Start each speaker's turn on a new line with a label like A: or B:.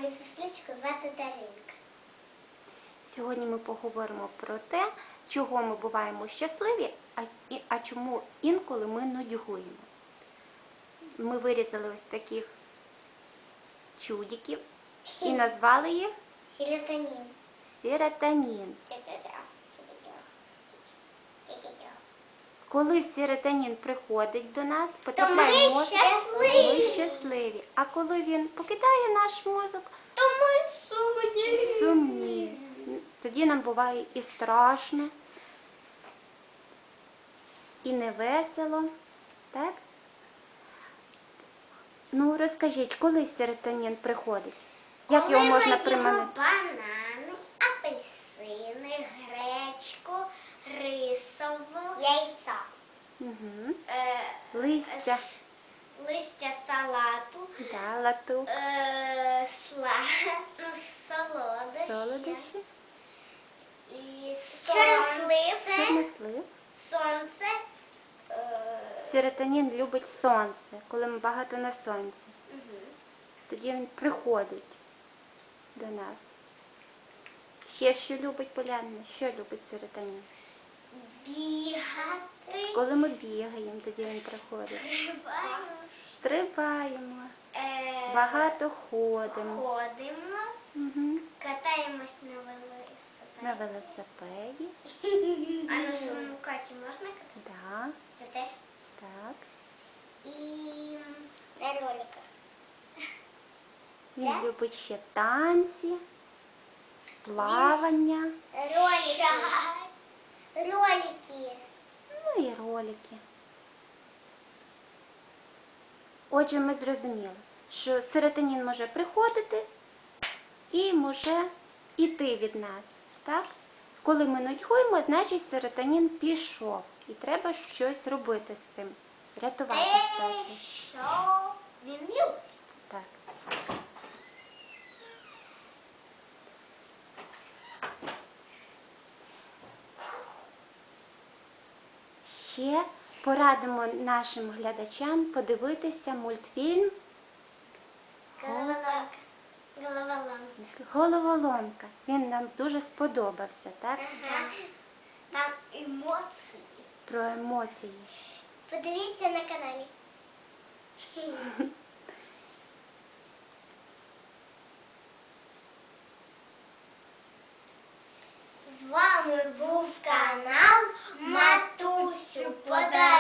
A: мою сестричку звати Даринка.
B: Сьогодні ми поговоримо про те, чого ми буваємо щасливі, а чому інколи ми нудьгуємо. Ми вирізали ось таких чудиків і назвали їх
A: Серотонін.
B: серотонін. Коли серотонін приходить до нас, потрапляє в мозок, ми щасливі. А коли він покидає наш мозок,
A: То ми
B: сумні. Тоді нам буває і страшно, і невесело. Так? Ну, розкажіть, коли серотонін приходить? Як його можна приманити?
A: Банани, апельсини, гречку, рисову, яйця.
B: Угу. Листя.
A: Листя салату,
B: Да, латук.
A: солодощі.
B: Солодощі.
A: І чорнослив. Сонце.
B: Серотонін любить сонце, коли ми багато на сонці. Тоді він приходить до нас. Ще що любить Полянина? Що любить серотонін?
A: Бігати.
B: Коли ми бігаємо, тоді він приходить. Стрибаємо. Багато ходимо.
A: Ходимо.
B: Угу.
A: Катаємось
B: На велосипеді.
A: А на самокаті можна катати?
B: Да.
A: Це теж?
B: Так.
A: І на роликах.
B: Він любить ще танці, плавання.
A: Ролики.
B: Ну і ролики. Отже, ми зрозуміли, що серотонін може приходити і може йти від нас. Так? Коли ми нудьгуємо, значить серотонін пішов. І треба щось робити з цим. Рятувати ситуацію.
A: Що він любить?
B: Так. Ще порадимо нашим глядачам подивитися мультфільм
A: Головоломка.
B: «Головоломка». Він нам дуже сподобався, так?
A: Ага. Там емоції.
B: Про емоції.
A: Подивіться на каналі. З вами був канал Матусю Подай.